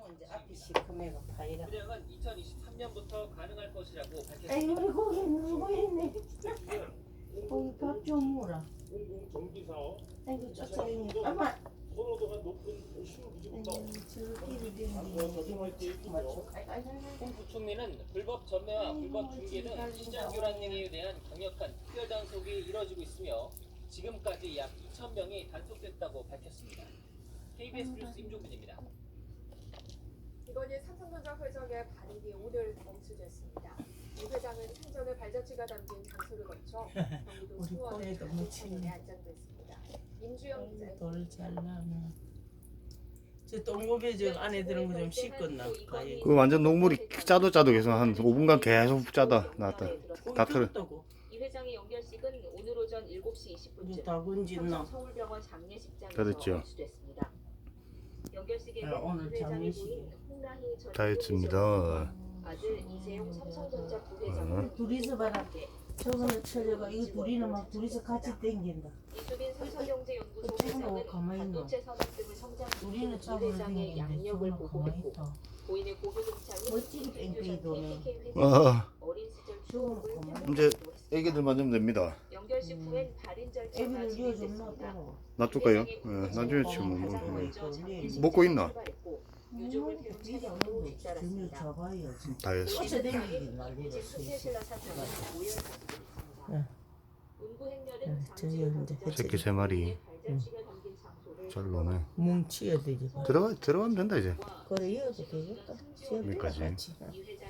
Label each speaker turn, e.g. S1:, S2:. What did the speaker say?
S1: 이제 앞이 시커매가 파이라.
S2: 분양은 2023년부터 가능할 것이라고
S1: 아이고
S2: 밝혔습니다.
S1: 우리 고기 누구 했네. 고기 밥 좀 먹어라.
S3: 정비사업
S1: 아이고 쫓아다니. 엄마.
S3: 선호도가 높은 신기지부터
S1: 저끼리 되는 맞춰.
S2: 홍 부총리는 불법 전매와 불법 중개 등 시장 교란 등에 대한 강력한 특별 단속이 이뤄지고 있으며 지금까지 약 2,000명이 단속됐다고 밝혔습니다. KBS 뉴스 임종근입니다.
S4: 이건희 삼성전자 회장의 발인이 오늘 멈춰졌습니다. 이 회장은 생전에 발자취가 담긴 장소를 거쳐 경기도
S1: 우리
S4: 수원의
S1: 폰에도 묻히네.
S4: 안장됐습니다. 임주영 기자.
S1: 돌잘 나면. 저 똥고배 저 안에 들은 거 좀 씻었나?
S5: 그 완전 녹물이 짜도 계속 한 5분간 계속 짜다 나왔다. 다 틀어.
S6: 이 회장의 연결식은 오늘 오전 7시 20분쯤
S1: 다 건졌나?
S6: 서울병원 장례식장에서
S5: 다 됐죠.
S6: 개최됐습니다. 연결식에는
S1: 오늘
S6: 이 회장이
S1: 장례식이야.
S6: 부인 홍라희 전
S5: 다 했습니다.
S6: 아들 이재용 삼성전자 부회장은
S1: 둘이서 봐라. 저거는 쳐져가 이거 둘이는 막 둘이서 같이 땡긴다.
S6: 이수빈 삼성경제연구소
S1: 어쩌고
S6: 회장은
S1: 가만히 있노?
S6: 반도체 산업 등을 성장시키는
S1: 우리는
S6: 이
S1: 잡으러
S6: 회장의
S1: 다니는데
S6: 양력을
S1: 저거는 가만히
S6: 보고했고
S1: 있다.
S6: 고인의 고교 동창인
S1: 멋지게 뺑뺑이 도네.
S6: 어린 시절
S1: 저거는
S6: 추억을
S1: 가만히
S5: 이제 애기들 만지면 됩니다.
S6: 연결식 후엔 발인 절차가
S1: 애비를 이어줬나
S6: 진행됐습니다.
S1: 따로.
S5: 놔둘까요? 나중에 치면 먹고 있나?
S6: 유족을 배운 차량으로
S1: 점유
S6: 뒤따랐습니다.
S1: 잡아요.
S5: 다 했어.
S1: 쫓아다니기 난리다.
S6: 수제신라 사장은 오열 사진입니다.
S1: 응.
S6: 운구 행렬은
S1: 응,
S6: 잠시
S1: 저기
S6: 후
S1: 이제
S6: 경찰
S5: 새끼 세 마리.
S6: 발자취가 담긴 장소를
S5: 잘 노네.
S1: 뭉치야 되지.
S5: 들어가면 된다 이제.
S1: 그래 이어도 되겠다.
S5: 여기까지.
S1: 같이.
S6: 이 회장